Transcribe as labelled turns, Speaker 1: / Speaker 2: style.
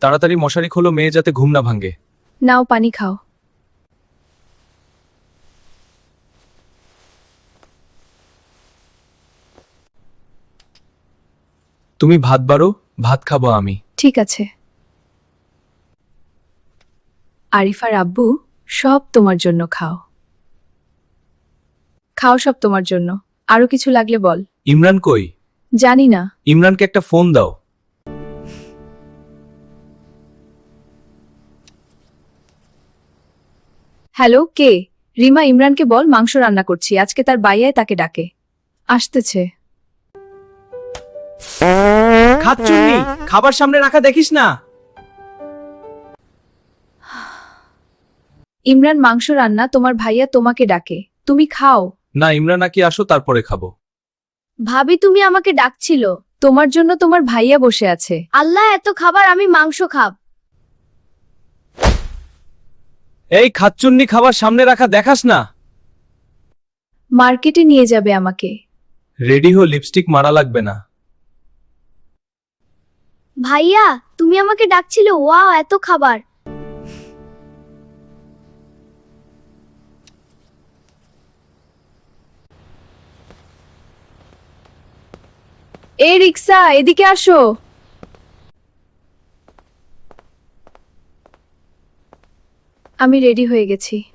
Speaker 1: তাড়াতাড়ি মশারি খোলো, মেয়ে যাতে ঘুম না ভাঙে।
Speaker 2: নাও পানি খাও।
Speaker 1: তুমি ভাত বাড়ো, ভাত খাবো আমি।
Speaker 2: ঠিক আছে। আরিফার আব্বু, সব তোমার জন্য খাও। খাও, সব তোমার জন্য। আরো কিছু লাগলে বল।
Speaker 1: ইমরান কই?
Speaker 2: জানি না।
Speaker 1: ইমরানকে একটা ফোন দাও।
Speaker 2: হ্যালো, কে? রিমা, ইমরানকে বল মাংস রান্না করছি, আজকে তার বাইয়ায় তাকে ডাকে। আসতেছে।
Speaker 1: খাচ্চুন্নি, খাবার সামনে রাখা দেখিস না।
Speaker 2: ইমরান, মাংস রান্না, তোমার ভাইয়া তোমাকে ডাকে, তুমি খাও।
Speaker 1: না, ইমরান নাকি আসো, তারপরে খাবো।
Speaker 2: ভাবি, তুমি আমাকে ডাকছিল। তোমার জন্য তোমার ভাইয়া বসে আছে। আল্লাহ, এত খাবার, আমি মাংস খাব।
Speaker 1: এই খাচ্চুন্নি, খাবার সামনে রাখা দেখাস না।
Speaker 2: মার্কেটে নিয়ে যাবে আমাকে।
Speaker 1: রেডি হো, লিপস্টিক মারা লাগবে না।
Speaker 2: ভাইয়া, তুমি আমাকে ডাকছিলে, ওয়াও, এত খাবার। এই রিক্সা, এদিকে আসো। আমি রেডি হয়ে গেছি।